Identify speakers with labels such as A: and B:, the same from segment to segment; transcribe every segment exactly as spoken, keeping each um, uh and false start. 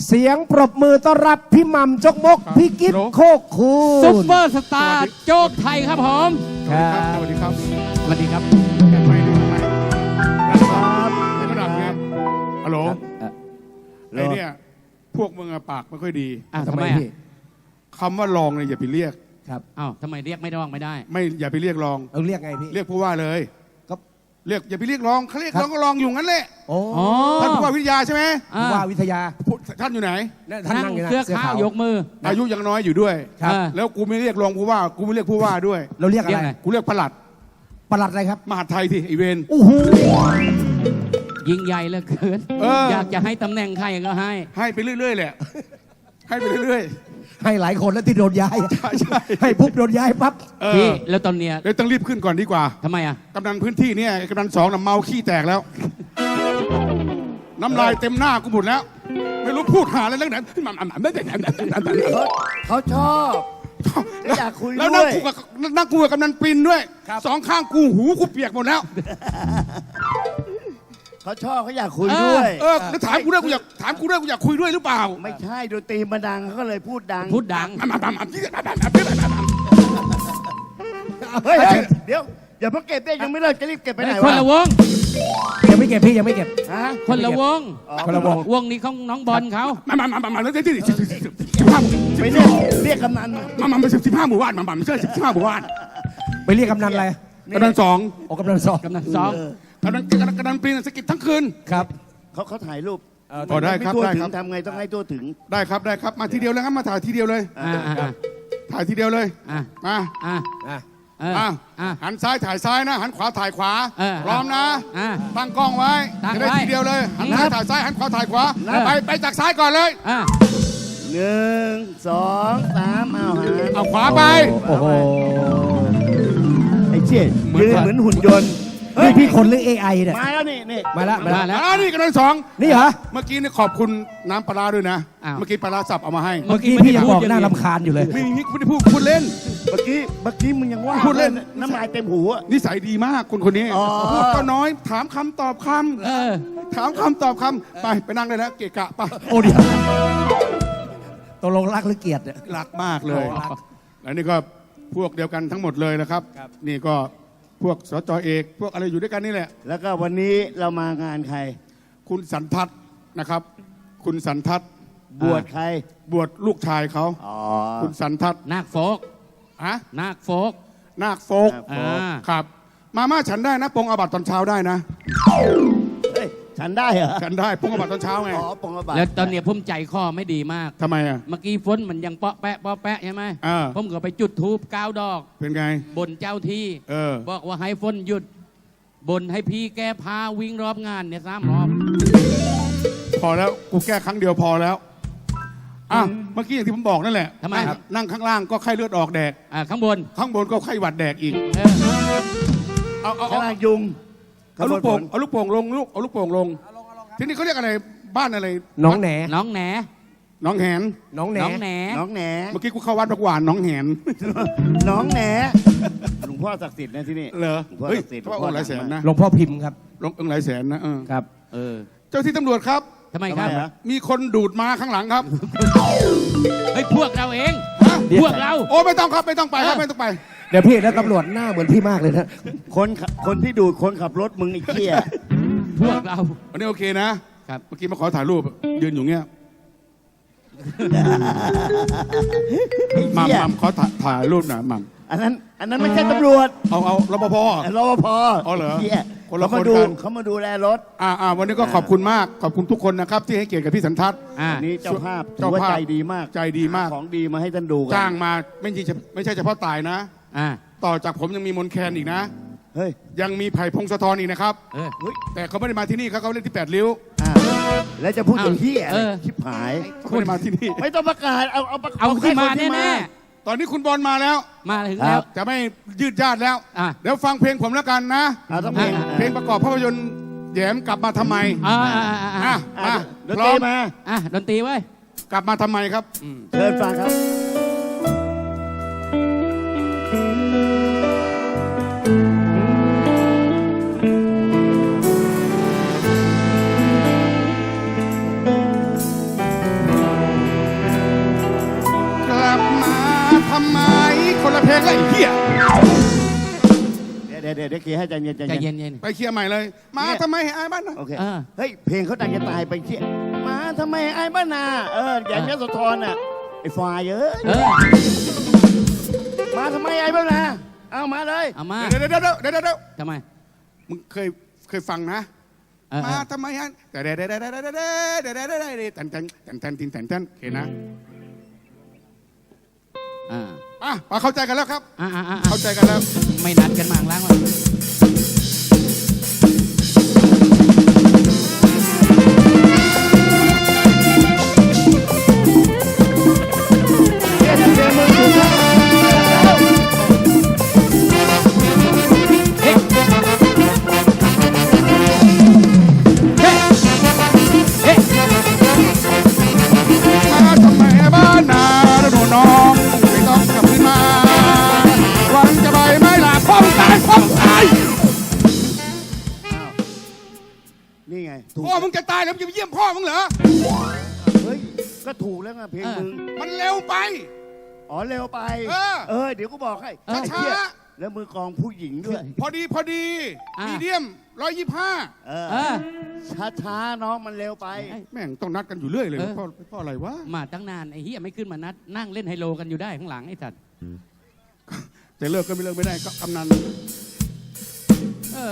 A: เสียงปรบมือต้อนรับพี่หม่ำจกมกพี่กิ๊ฟโคกคูณ
B: ซุปเปอร์สตาร์โจ๊กไทยครับผม
A: ครับ
C: สวัสดีครับ
B: สวัสดีครับ
C: แกนไม่ดูทำไมนะครับไม่กระดับไงฮัลโหลไอ้เนี่ยพวกมึงอะปากไม่ค่อยดี
B: อ่ะ
A: ทำ
B: ทำ
A: ไม
B: ไมอ่ะ
A: พี่
C: คำว่าลองเนี่ยอย่าไปเรียก
A: ครับ
B: อ้าวทำไมเรียกไม่ได้ไม่ได้
C: ไม่อย่าไปเรียกลอง
A: เอาเรียกไงพี่
C: เรียกผู้ว่าเลย
A: ก็
C: เรียกอย่าไปเรียกลองเขาเรียก
A: ครับ
C: ลองก็ลองอยู่งั้นแหละ
A: โอ้
B: อ๋อ
C: ท่านผู้ว่าวิทยาใช่ไหม
B: อ่ะ
A: ว่าวิทยา
C: ผู้ท่านอยู่ไหน
A: เนี่ยท่าน
B: นั่
A: นั่
B: ง
A: งอยู่นะ
B: เสื้อ
A: เสื้อ
B: ขา
A: ขาว วย
B: กมือ
C: อายุยังน้อยอยู่ด้วย
A: ครับ
B: อ่ะ
C: แล้วกูไม่เรียกรองผู้ว่ากูไม่เรียกผู้ว่าด้วย
A: เราเรียกอะ
B: เรีย
A: ไร
B: กไง
C: กูเรียกปลัด
A: ปลัดอะไรครับ
C: มหาดไทยที่ไอเวน
A: โอ้โห
B: ยิ่งใหญ่เหลือเกิน
C: เออ
B: อยากจะให้ตำแหน่งใครก็ให้
C: ให้ไปเรื่อยๆแหละให้ไปเรื่อย
A: ให้หลายคนแล้วที่โดนย้าย
C: ๆใช่ใช่
A: ให้ปุ๊บโดนย้ายปั๊บ
C: เอ
B: พี่
C: อ
B: แล้วตอนเนี้ย
C: เลยต้องรีบขึ้นก่อนดีกว่า
B: ทำไมอ่ะ
C: กำนันพื้นที่เนี่ยกำนันสองน่ะเมาขี้แตกแล้ว น้ำลายเต็มหน้ากูหมดแล้ว ไม่รู้พูดหาอะไรเรื่องไหน
D: เขาชอบแล้วอยากคุย
C: แล้ว
D: ด้
C: นั่
D: ว
C: ง
D: ย
C: กูกับนั่งกูกับกำนันปินด้วยสองข้างกูหูกูเปียกหมดแล้ว
D: เขาชอบเขาอยากคุยด้วย
C: เออแล้วถามกูด้วยกูอยากถามกูด้วยกูอยากคุยด้วยหรือเปล่า
D: ไม่ใช่ดนตรีมันดังเขาก็เลยพูดดัง
B: พูดดัง
D: เฮ้ยเฮ้ยเดี๋ยวอย่าเพิ่งเก็บเด้ยังไม่เลิกจะรีบเก็บไปไหน
B: คน
D: วะ
B: ละวง
A: ยังไม่เก็บพี่ยังไม่เก็บ
D: ฮะ
B: คนละวง
D: อ๋อ
A: คนละวง
B: วงนี้ของน้องบอลเขา
C: มามามามามาแล้วที่สิบห้า
D: ไปเรียกเรียกกำนันมา
C: มามามาสิบห้าหมู่บ้านมามาไม่ใช่สิบห้าหมู่บ้าน
A: ไปเรียกกำนันอะไร
C: กำนันสอง
A: โอ้กำนันสอง
B: กำนันสอง
C: กำนันกำนันปินสกิดทั้งคืน
A: ครับ
D: เขาเขาถ่ายรูป
C: อ๋อได้ครับ
D: ม่ทั่ว
C: ได้
D: ถึ
C: ครั
D: ง
C: บ
D: ทำไงต้องให้ตัวถึง
C: ได้ครับได้ครับมาทีเดียวเลยครับมาถ่ายทีเดียวเลย
B: อ่าอ่าอ่า
C: ถ่ายทีเดียวเลย
B: อ่า
C: มา
B: อ่า
A: อ่ะ
B: เออ
C: อ่ะ
B: อ่า
C: หันซ้ายถ่ายซ้ายนะ หันขวาถ่ายขวา
B: เออ
C: พร้อมนะ
B: อ่า
C: ตั้งกล้องไว้
B: ตั้ง
C: จะได้
B: ไว้
C: ทีเดียวเลย หันซ้ายถ่ายซ้ายหันขวาถ่ายขวา
B: เออ
C: ไปไปจากซ้ายก่อนเลย
B: อ่า
D: หนึ่งสองสามเอาหัน
C: เอาขวาไป
A: โอ้โห
D: ไอ้เชี่ย
C: เหมือน
D: ยืน
C: กัน
D: เหมือนหุ่นยนต์
A: นี่พี่คนหรือ เอ ไอ เนี่ย
D: มาแล้วนี่นี่
A: มาละมา
B: มา
A: ละ
B: แล้ว
C: อ่านี่กำลังสอง
A: นี่เหรอ
C: เมื่อกี้นี่ขอบคุณน้ำปลาร้าด้วยนะ
B: อ้าว
C: เมื่อกี้ปลาร้าสับเอามาให้
A: เมื่อกี้พี่ยังบอกน่ารำคาญอยู่เลย
C: ไม่มีไม่ได้พูดพูดเล่น
D: เมื่อกี้เมื่อกี้มึงยังว่า
C: พูดเล่น
D: น้ำลายเต็มหูอะ
C: นิสัยดีมากคนคนนี้
D: อ๋อ
C: พูดก็น้อยถามคำตอบค
B: เออ
C: ำถามคำตอบคำไปไปนั่งได้แล้วเกะกะไป
A: โอ้เดี๋ยวตกลงรักหรือเกลียดเนี่ย
C: รักมากเลย
A: โอ้รัก
C: แล้วนี่ก็พวกเดียวกันทั้งหมดเลยนะครับ นี่ก็พวกสจเอก พวกอะไรอยู่ด้วยกันนี่แหละ
D: แล้วก็วันนี้เรามางานใคร
C: คุณสันทัศน์นะครับ คุณสันทัศน์
D: บวชใคร
C: บวชลูกชายเขา
D: อ๋อ
C: คุณสันทัศน์
B: นาคโฟก
C: ฮะ
B: นาคโฟก
C: นาคโฟก
D: นาค
B: อ่า
C: ครับ มาม่าฉันได้นะปงอาบัตตอนเช้าได้นะ
D: เฮ้ยฉันได้เหรอ
C: ฉันได้ปงอาบัตตอนเช้าไง
D: อ๋อปองกระบาด
B: แล้วตอนเนี้ยผมใจคอไม่ดีมาก
C: ทำไมอ่ะ
B: เมื่อกี้ฝนมันยังเปาะแปะเปาะแปะใช่ไหม
C: อ่า
B: ผมก็ไปจุดธูปเก้าดอก
C: เป็นไง
B: บนเจ้าที่
C: เออ
B: บอกว่าให้ฝนหยุด บนให้พี่แก้พาวิ่งรอบงานเนี่ยสามรอบ
C: พอแล้วกูแก้ครั้งเดียวพอแล้วอ่ะเมื่อกี้อย่างที่ผมบอกนั่นแหละ
B: ทำไม
C: นั่ง
B: ครับ
C: นั่งข้างล่างก็ไข้เลือดออกแดก
B: อ่าข้างบน
C: ข้างบนก็ไข้หวัดแดกอีก
B: เออ
C: เอาเอา
D: ข้าง
C: เอา
D: ล่างยุง
C: เอาลูกโป่งเอาลูกโป่งลงลูกเอาลูกโป่งลงทีนี้เขาเรียกอะไรบ้านอะไร
A: น้องแหน
B: น้องแหน
C: น้องแหน
A: น้องแหน
B: น้องแหน
D: น้องแหน
C: เมื่อกี้กูเข้าวัดบักหวานน้องแหน
D: น้องแหนหลวงพ่อศักดิ์สิทธิ์นะที่นี่
C: เหรอ
D: หลวงพ่อ
C: เฮ้ย
D: ศักดิ์สิทธิ์
C: เขาว่าองค์หลายแสนนะ
A: หลวงพ่อพิมพ์ครับ
C: ลงองค์หลายแสนนะเออ
A: ครับ
B: เออ
C: เจ้าที่ตำรวจครับ
B: ทำไมครับ
D: ทำไมฮะ
C: มีคนดูดมาข้างหลังครับ
B: เฮ้ยพวกเราเอง
C: ฮะ
B: พวกเรา
C: โอ้ไม่ต้องครับไม่ต้องไปครับ
B: เออ
C: ไม่ต้องไป
A: เดี๋ยวพี่แล้วตำรวจหน้าเหมือนพี่มากเลยนะ
D: คนขับคนที่ดูดคนขับรถมึงไอ้เหี้ย
B: พวกเรา
C: วันนี้โอเคนะครับ เมื่อกี้มาขอถ่ายรูปยืนอยู่เงี้ย หม่ำหม่ำขอถ่ายถ่ายรูปหน่อยหม่ำ
D: อันนั้นอันนั้นไม่ใช่ตำรวจ
C: เอาเอารปภ
D: รปภ
C: อ๋อเหรอ
D: หี้ย
C: คนละ
D: เขามาดู
C: คนกัน
D: เขามาดูแลรถ
C: อ่าอ่าวันนี้ก็ขอบคุณมากขอบคุณทุกคนนะครับ ที่ให้เกียรติกับพี่สันทัศน์
B: อ่า
D: อันนี้เจ้าภาพถื
C: เจ้า
D: อว่า
C: ภาพ
D: ใจดีมาก
C: ใจดีมาก
D: ของดีมาให้ท่านดูกั
C: จ้างมาไม่ใช่ไม่ใช่เฉพาะตายนะ
B: อ่า
C: ต่อจากผมยังมีมนแคนอีกนะ
D: เฮ้ย
C: ยังมีไผ่พงศธรอีกนะครับ
B: เออ
D: เฮ้ย
C: แต่เขาไม่ได้มาที่นี่เขาเขาเล่นที่แปดริ้ว
D: อ่าแล้วจะพูดอย่างเหี้ย
B: เออ
D: ชิบหาย
C: เขาไม่ได้มาที่นี่
D: ไม่ต้องประกาศเอาเอาประ
B: เอาขึ้นมา
D: ค่คที่
B: แน่
C: ตอนนี้คุณบอลมาแล้ว
B: ๆมาถึง
D: ครั
B: แล้
D: บ
B: ว
C: จะไม่ยืดญาติแล้ว
B: อ่ะ
C: เดี๋ยวฟังเพลงผมแล้วกันนะ
D: เอาต้องเพลง
C: เพลงประกอบภาพยนตร์แหยมกลับมาทำไม
B: อ่าอ่าอ่าอ่า
C: อ่ะ
D: อ่ะ
C: มา
D: ดน
C: พร้
D: ต
C: อ
D: รี
C: ม
D: มา
B: อ่ะดนตรีไว้ย
C: กลับมาทำไมครับ
D: เชิญฟังครับ
C: เำไมคนละเพลงเลยไอ้เหี้ย
D: เดี๋ยวเดี๋ยวเดี๋ยวเดี๋ยวเคลียร์ให้ใจเย็นใจ
B: ใจ
D: เย็น
B: เย็นเย็น
C: ไปเคลียร์ใหม่เลย มาทำไมให้อายบ้านนะ
D: โอเค
B: เออ
D: เฮ้ยเพลงเขาดังจะตายไปเคลียร์มาทำไมไอ้บ้านนาเอออย่างยโสธรน่ะไอ้ฟายเอ้ย
B: เออ
D: มาทำไมไอ้บ้านนาเอามาเลย
B: เอามา
C: เดี๋ยวเดี๋ยวเดี๋ยวเดี๋ยวเดี๋ยวเดี๋ยว
B: ทำไม
C: มึงเคยเคยฟังนะ
B: เออเอ
C: มา
B: อ
C: ทำไมฮะแต่เดี๋ยวเดี๋ยวเดี๋ยวเดี๋ยวเดี๋ยวเดี๋ยวเดี๋ยวเดี๋ยวเดี๋ยวเดี๋ยวตันตันตันตันตินตันตันโอเคนะ
B: อ่า
C: อ่ะมาเข้าใจกันแล้วครับ
B: อ่าอ่าอ่า
C: เข้าใจกันแล้ว
B: ไม่นัดกันมาข้างล่างวะ
D: เดี๋ยวเดี๋ยวมึงถูกแล้ว
B: เฮ้เฮ้เฮ้
C: มาทำไมบ้านนาหนูน้องไม่ต้องกลับขึ้นมาหวังจะไปไม่หลับพ้องตายพ้องตาย
D: นี่ไงถูก
C: พ่อมึงจะตายแล้วมึงจะไปเยี่ยมพ่อมึงเหรอ
D: เฮ้ยก็ถูกแล้วไงเพลงมึง
C: มันเร็วไป
D: อ๋อเร็วไป
C: เออ
D: เออเดี๋ยวกูบอกให้
C: เออ
D: ไอ้เหี้ย
C: ช้า
D: แล้วมือกลองผู้หญิงด้วย
C: พอดีพอดีมีเดียมร้อยยี่ห้า
D: เอ
B: เออ
D: ช้าช้าๆน้องมันเร็วไป
C: แม่งต้องนัดกันอยู่เรื่อยเลย
B: เออ
C: พ่อพ่ออะไรวะ
B: มาตั้งนานไอ้เฮียไม่ขึ้นมานัดนั่งเล่นไฮโลกันอยู่ได้ข้างหลังไอ้สัตว์
C: จะเลิกก็ไม่เลิกไม่ได้ก็กำนัน
B: เออ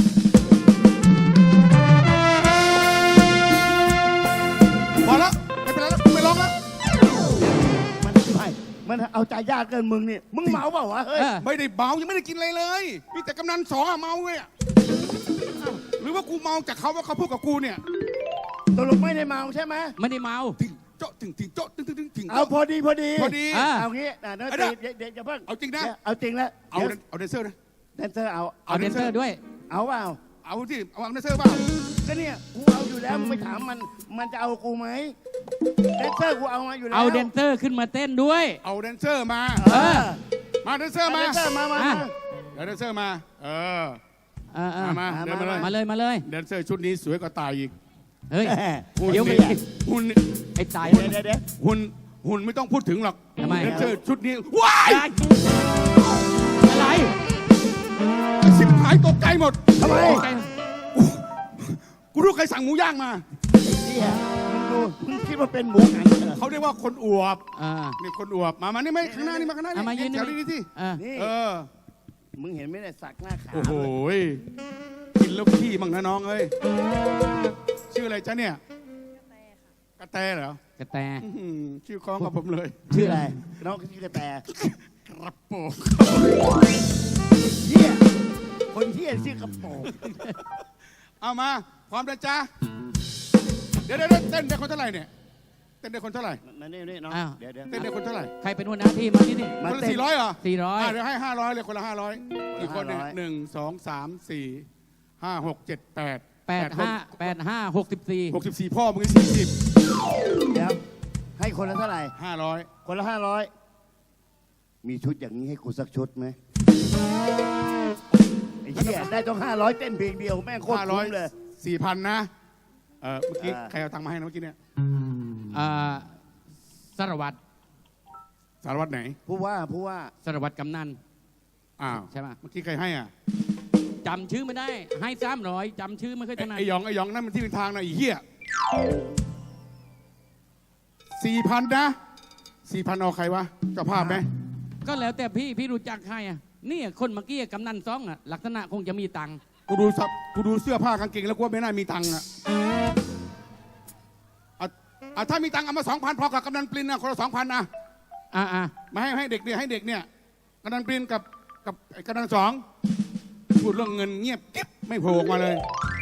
C: พอแล้วไม่เป็นไรแล้วไม่ร้องแล้ว
D: มันไม่มันเอาใจยากเกินมึงนี่มึงเมาเปล่าวะเฮ้ย
B: เออ
C: ไม่ได้เมายังไม่ได้กินอะไรเลยมีแต่กำนันสองอะเมาเลยอะหรือว่ากูเมาจากเขาว่าเขาพูดกับกูเนี่ย
D: ตกลงไม่ได้เมาใช่ไหม
B: ไม่ได้เมา
C: ถึงโจ๊ะถึงถึงโจ๊ะถึงถึงถึงถึง
D: เอาพอดีพอดี
C: พอดี
B: อ่ะ
D: เอางี้นะเดี๋ยว
C: เอาเด้อ
D: เดี๋ยวเดี๋ยวอย่าเพิ่ง
C: เอาจริงนะ
D: ดี๋ยวเอาจริงแล้ว
C: เอา
D: ดี๋ยว
C: เอาแดนเซอร์นะ
D: แดนเซอร์เอา
B: เอาเดนเซอร์ด้วย
D: เอาเปล่า
C: เอาที่เอาแดนเซอร์เปล่า
D: ก็เนี่ยกูเอาอยู่แล้วมึงไปถามมันมันจะเอากูไหมแดนเซอร์กูเอามาอยู่แล้ว
B: เอาเดนเซอร์ขึ้นมาเต้นด้วย
C: เอาแดนเซอร์มา
D: เออ
C: มาแดนเซอร์
D: แด
C: มาน
D: เซอร์มามา
B: อ่ะ
D: มา
C: เดี๋ยวแดนเซอร์มาเออ
B: เออเออ
C: มามาเดินมาเลย
B: มาเลยมาเลย
C: แดนเซอร์ชุดนี้สวยกว่าตายอีก
B: เฮ้ย
D: แหม
C: หุ่น
B: เดี๋ยวไป
C: นี่หุ่น
B: ไอ้ตาย
D: เดี๋ยวเดี๋ยวเดี๋ยว
C: หุ่นหุ่นไม่ต้องพูดถึงหรอก
B: ทำไม
C: แดนเซอร์ชุดนี้ว้าย
B: อะไร
C: สิบหายตกใจหมด
D: ทำไม
C: กูรู้ใครสั่งหมูย่างมา
D: เหี้ยมึงดูมึงคิดว่าเป็นหมูหันเหรอ
C: เขาเรียกว่าคนอวบ
B: อ่า
C: นี่คนอวบมามานี่ไหมข้างหน้านี่มาข้างหน้า
B: เอามายืน
C: แถวนี้นี่ที่
B: อ่า
D: นี่
C: เออ
D: มึงเห็นไหมเนี่ยสักหน้าขาว
C: โอ้โหยกินแล้วขี้มั่งนะน้องเอ้ยชื่ออะไรจ๊ะเนี่ยกระแตเหรอก
B: ระแต
C: อื้อหือชื่อคล้องกับผมเลย
D: ชื่ออะไรน้องชื่อกระแต
C: กระโปง
D: เหี้ยคนเหี้ยชื่อกระโปรง
C: เอามาพร้อมนะจ๊ะเดี๋ยวเดี๋ยวเต้นได้คนเท่าไหร่เนี่ยเต้นได้คนเท่าไหร่
D: มานี่นี่น้อง
B: อ้าว
D: เดี๋ยวเดี๋ยว
C: เต้นได้คนเท่าไหร่
B: ใครเป็นหัวหน้าทีมมาที่นี่
D: มา
C: คนละ
D: เต้น
C: สี่ร้อยเหรอ
B: สี่ร้อย
C: ะเดี๋ยวให้ห้าร้อยเลยคนละห้าร้อยอีกคนเนี่ย
D: ห้าร้อย
C: หนึ่งสองสามสี่ห้าหกเจ็ดแปด
B: แปดห้าแปดห้าหกสิบสี่
C: หกสิบสี่พ่อมึงสี่สิบ
D: เดี๋ยวให้คนละเท่าไหร่
C: ห้าร้อย
D: คนละห้าร้อยมีชุดอย่างนี้ให้กูสักชุดไหมไอ้เหี้ยได้ต้องห้าร้อยเต้นเพลงเดียวแม่งโคตร
C: ห้าร้อ
D: คุ้
C: ย
D: มเลย
C: สี่พันนะเออเมื่อกี้
D: อ่า
C: ใครเอาตังค์มาให้นะเมื่อกี้เนี่ย
B: อ่าสารวัตร
C: สารวัตรไหน
D: ผู้ว่าผู้ว่า
B: สารวัตรกำนัน
C: อ้าว
B: ใช่ปะ
C: เมื่อกี้ใครให้อ่ะ
B: จำชื่อไม่ได้ ให้สามร้อยจำชื่อไม่ค่อยถนัด
C: ไอ้หยองไอ้หยองนั่นมันที่เป็นทางนะไอ้เหี้ยสี่พันนะสี่พันเอาใครวะเจ้าภาพไหม
B: ก็แล้วแต่พี่พี่รู้จักใครอ่ะนี่คนเมื่อกี้กำนันซองอ่ะลักษณะคงจะมีตังค์
C: กูดูสับกูดูเสื้อผ้ากางเกงแล้วกูว่าไม่น่ามีตังค์อ่ะอ่ะอ่ะถ้ามีตังค์เอามาสองพันพอกับกำนันปรินนะคนละสองพันนะ
B: อ่าอ่า
C: มาให้ให้เด็กเนี่ยให้เด็กเนี่ยกำนันปรินกับกับไอ้กำนันสองพูดเรื่องเงินเงียบกิ๊บไม่โผล่ออกมาเลย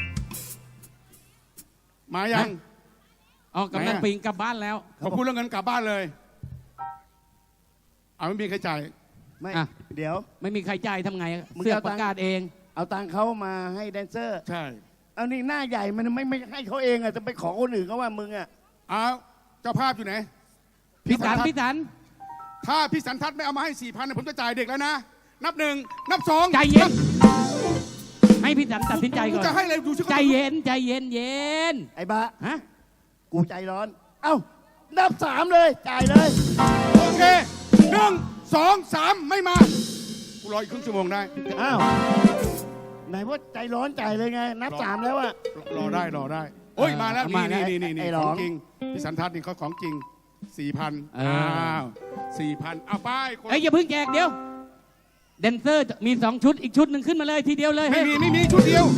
C: มายัง
B: อ๋อกำนัน
C: ไหนอะ
B: ปิงกลับบ้านแล้ว
C: พอพูดเรื่องเงินกลับบ้านเลยเอาไม่มีใครจ่าย
D: ไม่
B: อ่ะ
D: เดี๋ยว
B: ไม่มีใครจ่ายทำไง
D: มึง
B: เสื้อ
D: เอา
B: ป
D: ตังค์
B: ระกาศเอง
D: เอาตังค์เขามาให้แดนเซอร์
C: ใช่
D: เอานี่หน้าใหญ่มันไม่ไม่ให้เขาเองอ่ะจะไปขอคนอื่นเขาว่ามึงอ่ะ
C: เอาเจ้าภาพอยู่ไหน
B: พี่สัน
C: ทัศ
B: พี่สัน
C: ถ้าพี่สันทัศน์ไม่เอามาให้สี่พันผมจะจ่ายเด็กแล้วนะ นับหนึ่งนับสอง
B: ใจเย็น ให้พี่สันตัดสินใจก่อน
C: จะให้อะไรดูสิ
B: ใจเย็นใจเย็นเย็น
D: ไอ้บ้า
B: ฮะ
D: กูใจร้อน เอ้านับสามเลยจ่ายเลย
C: โอเคหนึ่งสองสามไม่มากูรออีกครึ่งชั่วโมงได้
D: อ้าวไหนว่าใจร้อนใจเลยไง นับสามแล้วอะ
C: รอได้รอได้โอ้ยมาแล้ว
B: มา
C: นี่
B: แล้ว
C: นี่นี่นี่
D: ไอ้หล
C: ข
D: อ
C: อง งจริงพี่สันทัศน์นี่เขาของจริงสี่พัน
B: เอออ้
C: อ้าวสี่พันเอาไปคน
B: เอ้ยอย่าเพิ่งแจกเดี๋ยวแดนเซอร์มีสองชุดอีกชุดหนึ่งขึ้นมาเลยทีเดียวเลย
C: ไม่มีไม่มีชุดเดียว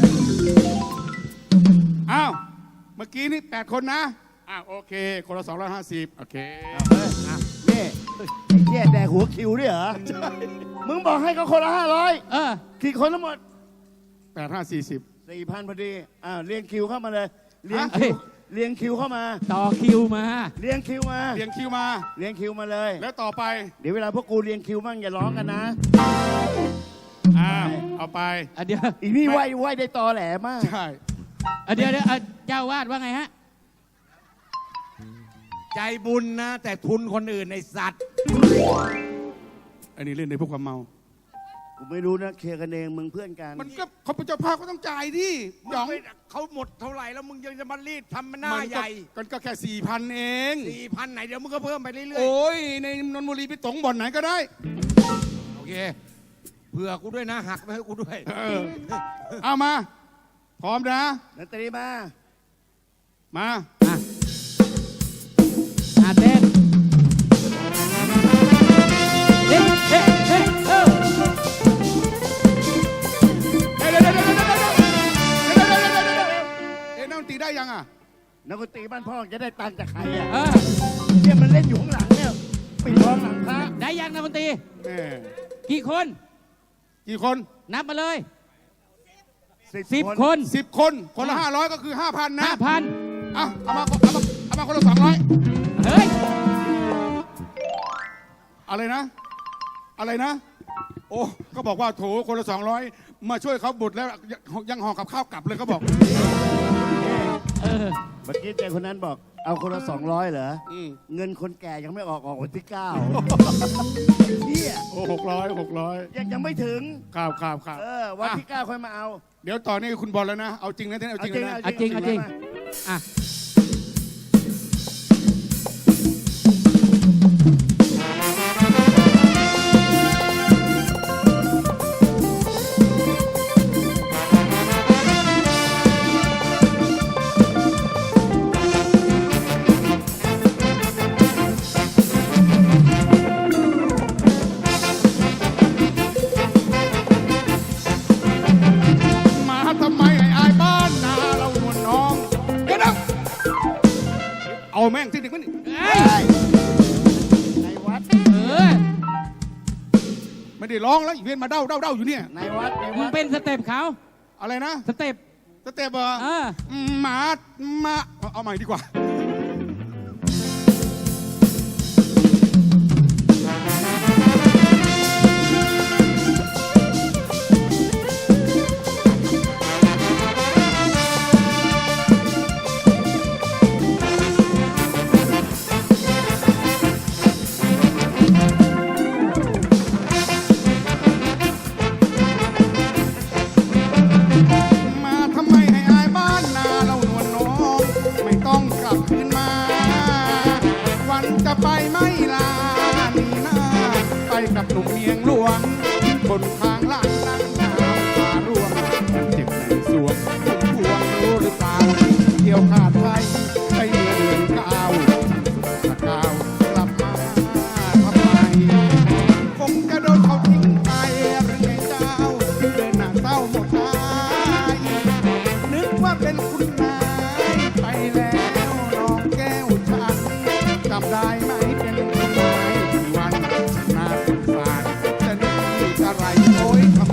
C: อ้าวเมื่อกี้นี่แปดคนนะอ้าวโอเคคนละสองร้อยห้าสิบโอเค
D: นี่ไอ้เหี้ยแดกหัวคิวด้วยเหรอ มึงบอกให้เขาคนละห้าร้อย
B: เออ
D: กี่คนทั้งหมด
C: แปดห้าสี่สิบ
D: สี่พันพอดี อ้าวเรียงคิวเข้ามาเลย เรียง
B: ฮะ
D: คิวเรียงคิวเข้ามา
B: ต่อคิวมา
D: เรียงคิวมา
C: เรียงคิวมา
D: เรียงคิวมาเลย
C: แล้วต่อไป
D: เดี๋ยวเวลาพวกกูเรียงคิวมั่งอย่าร้องกันนะ
C: อ้าวเอาไป
B: อ่ะเดี๋ยว
D: อีนี่ไหวไหวได้ตอแหลมาก
C: ใช่
B: อ่ะเดี๋ยวเดี๋ยวอ่ะเจ้าวาดว่าไงฮะ
A: ใจบุญนะ แต่ทุนคนอื่นในสัตว์
C: อันนี้เล่นในพวกความเมา
D: กูไม่รู้นะเคลียร์กันเองมึงเพื่อนกัน
C: มันก็เขาเป็นเจ้าภาพก็ต้องจ่ายดิหยอง
A: เขาหมดเท่าไหร่แล้วมึงยังจะมารีดทำมันหน้า
C: มัน
A: ให
C: ก็
A: ญ่
C: มันก็แค่สี่พันเอง
A: สี่พันไหนเดี๋ยวมึงก็เพิ่มไปเรื่อย
C: โอ้ยในนนทบุรีไปตงบ่อนไหนก็ได้
A: ๆ โอเค เผื่อกูด้วยนะ หักไปให้กูด้วย
C: เออเอามา พร้อมนะ
D: นัตรีมา
C: มา
B: อ่ะอ่ะเต้นเฮ้เฮ้เฮ้เออ
C: เดี๋ยวเดี๋ยวเดี๋ยวเดี๋ยวเดี๋ยวเดี๋ยวเดี๋ยวเดี๋ยวเดี๋ยวเดี๋ยวเอ๊ะนักดนตรีได้ยังอ่ะ
D: นักดนตรีบ้านพ่อจะได้ตังค์จากใครอ่ะ
B: เออ
D: เนี่ยมันเล่นอยู่ข้างหลังเนี่ยปิดทองหลังพระ
B: ได้ยังนะมนตรี
C: แม่
B: กี่คน
C: กี่คน
B: นับมาเลย
D: สิบ
B: สิบ
D: คน
B: คน
C: สิบคน คนละห้าร้อยก็คือห้าพันนะ
B: ห้าพัน
C: อ่ะเอามาเอามาเอามาคนละสองร้อย
B: เฮ้ย
C: อะไรนะ อะไรนะ โอ้ก็บอกว่าโถคนละสองร้อยมาช่วยเขาบุตรแล้วยังยังห่อกับข้าวกลับเลยเขาบอก
B: เออ
D: เมื่อกี้เจคนนั้นบอกเอาคนละสองร้อยเหรอ
C: อืม
D: เงินคนแก่ยังไม่ออกออกวันที่เก้าเฮีย
C: โอ้หกร้อยหกร้อย
D: ยังยังไม่ถึง
C: ข่าวข่าวข่าว
D: เออวันที่เก้าค่อยมาเอา
C: เดี๋ยวต่อนี่คุณบอลแล้วนะ เอาจริงนะเท่นเอาจริงเลยนะ
B: เอาจริงเอาจริง อ่ะ
C: มาทำไมไอ้อายบ้านนาเราหนวลน้องเดี๋ยวนะเอาแม่งที่หนึ่งมัน
B: เฮ้ย
D: ในวัด
B: เออ
C: ไม่ได้ร้องแล้วอีเวนต์มาเด้าเด้าเด้าอยู่เนี่ย
D: ในวัดใน
B: มึ
D: วั
B: ง
D: ด
B: เป็นสเต็ปเขา
C: อะไรนะ
B: สเต็ป
C: สเต็ปเหรอ
B: เออ
C: หมามาเอาเอาใหม่ดีกว่า มาทำไมให้อายบ้านนาเราหนวลน้อง ไม่ต้องกลับคืนมา วันจะไปไม่ลาหนีหน้า ไปกับหนุ่มเมียงหลวง คนทางหลังนั่งน้ำตาร่วงมันเจ็บในสวงผมพวงรู้หรือเปล่าเกี่ยวขาดไปไปเมื่อเดือนเก้าสกาวกลับมาทำไม คงจะโดนเขาทิ้งไปหรือไงเจ้าเดินหน้าเศร้าหมดใจนึกว่าเป็นคุณนายไปแล้วน้องแก้วฉันจำได้ไหมเป็นคุณนายที่วันน่าสงสารจะนึกอะไรโอ้ยทำ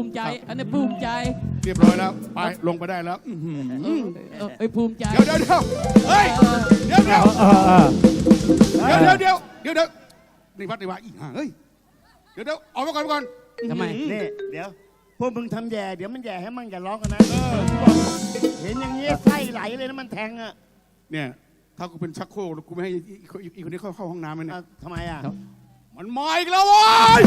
B: มิใจ อันนี้ภูมิใจ
C: เรียบร้อยแล้ว ไป ลงไปได้แล้วอื้อหือ
B: เออเออเอ้ยภูมิใจ
C: เดี๋ยวเดี๋ยวเดี๋ยวเฮ้ย เดี๋ยวเดี๋ยว
A: เออเออ
C: เดี๋ยวเดี๋ยวเดี๋ยวเดี๋ยวเดี๋ยวนี่วัดนี่ว่าอีห่าเฮ้ย เดี๋ยวเดี๋ยวออกมาก่อนก่อน
B: ทำไม
D: นี่เดี๋ยวพวกมึงทำแย่เดี๋ยวมันแย่ให้มั่งอย่าร้องกันนะเห็นอย่างเงี้ยไส้ไหลเลยนะมันแทงอ่ะ
C: เนี่ย ถ้ากูเป็นชักโครกกูไม่ให้อีกอีกคนนี้เข้าเข้าห้องน้ำเลยเนี่ย
D: เอาทำไมอ่ะ
C: มันมาอีกแล้วเว้ย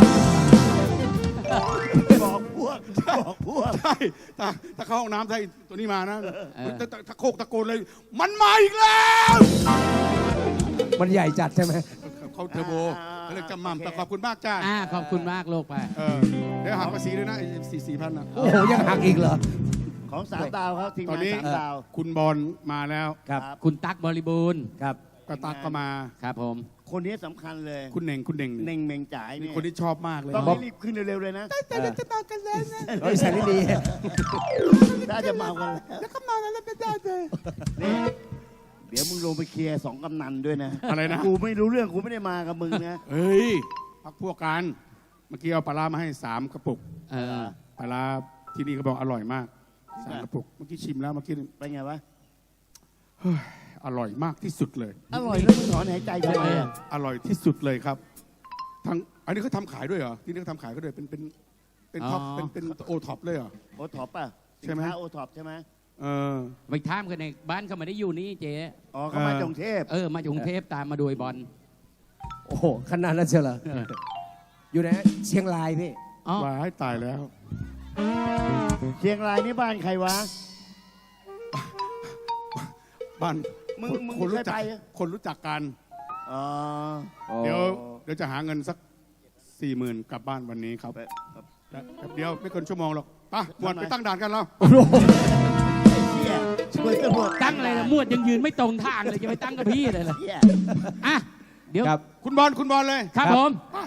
D: บอกพวกบอกพวก
C: ใช่ถ้าถ้าเข้าห้องน้ำใช่ตัวนี้มานะถ้าถ้าถ้าโคกตะโกนเลย มันมาอีกแล้ว
A: มันใหญ่จัดใช่ไหม
C: เขาเทอร์โบเขาเรียกจำมั่มแต่ขอบคุณมากจ้า
B: อ่าขอบคุณมากโลกไป
C: เออเดี๋ยวหักภาษีด้วยนะสี่สี่พันนะ
A: โอ้โหยังหักอีกเหรอ
D: ของสามดาวครับทีม
C: ตอน
D: งาน
C: นี้
D: สามดาว
C: คุณบอลมาแล้ว
A: ครับ
B: คุณตั๊กบริบูรณ์
A: ครับ
C: กระตักก็มา
B: ครับผม
D: คนนี้สำคัญเลย
C: คุณเน่งคุณเน่ง
D: เน่งเมงจ่ายเนี่ย
C: คนที่ชอบมากเลย
D: ต้องรีบขึ้นเร็วๆเลยนะ
C: แต่เดี๋ยวจะมากันแล้วนะ
A: เฮ้ยแสนดี
D: ถ้าจะเมากันแล้ว
C: แล้วก็มาแล้วไม่ได้เลย
D: นี่เดี๋ยวมึงลงไปเคลียร์สองกำนันด้วยนะ
C: อะไรนะ
D: กูไม่รู้เรื่องกูไม่ได้มากับมึงนะ
C: เฮ้ยพักพวกกันเมื่อกี้เอาปลาร้ามาให้สามกระปุก
B: เออ
C: ปลาร้าที่นี่เขาบอกอร่อยมากสามกระปุกเมื่อกี้ชิมแล้วเมื่อกี้
D: เป็นไงวะ
C: อร่อยมากที่สุดเลย
D: อร่อยแล้วมึงถอนหายใจทำไมอ่ะ
C: อร่อยที่สุดเลยครับทั้งอันนี้เขาทำขายด้วยเหรอที่นี่เขาทำขายก็ด้วยเป็นเป็นเป็นท็อปเป็นเป็นโอท็อปเลยเหรอ
D: โอท็อปป่ะ
C: ใช่ไหม
D: สินค้าโอท็อปใช่ไหม
C: เออ
B: ไปท่ามกันในบ้านเขาไม่ได้อยู่นี่เจ๊
D: อ๋อเขามาจากกรุงเทพ
B: เออ มาจากกรุงเทพตามมาดูไอ้บอล
A: โอ้โหขนาดนั้นเชียวเหรออยู่ไหนเชียงรายพี่
B: อ๋อ
C: วายตายแล้ว
D: เชียงรายนี่บ้านใครวะ
C: บ้าน
D: มึงมึง
C: คนรู้
D: เคย
C: จัก
D: ไปเหรอ
C: คนรู้จักกัน
D: อ๋อ
C: เดี๋ยวเดี๋ยวจะหาเงินสักสี่หมื่นกลับบ้านวันนี้ครับ
D: ไป
C: แป๊บเดียวไม่เกินชั่วโมงหรอกไปหมวด
D: ทำไม
C: ไปตั้งด่านกันแล้ว
A: โอ้โห
D: เฮียช่วยตำรวจ
B: ตั้งอะไรนะมวดยังยืนไม่ตรงทางเลยจะไปตั้งกับพี่เลยล่ะ
D: เฮีย
B: อ่ะ เดี๋ยว
A: ครับ
C: คุณบอลคุณบอลเลย
B: ครับผม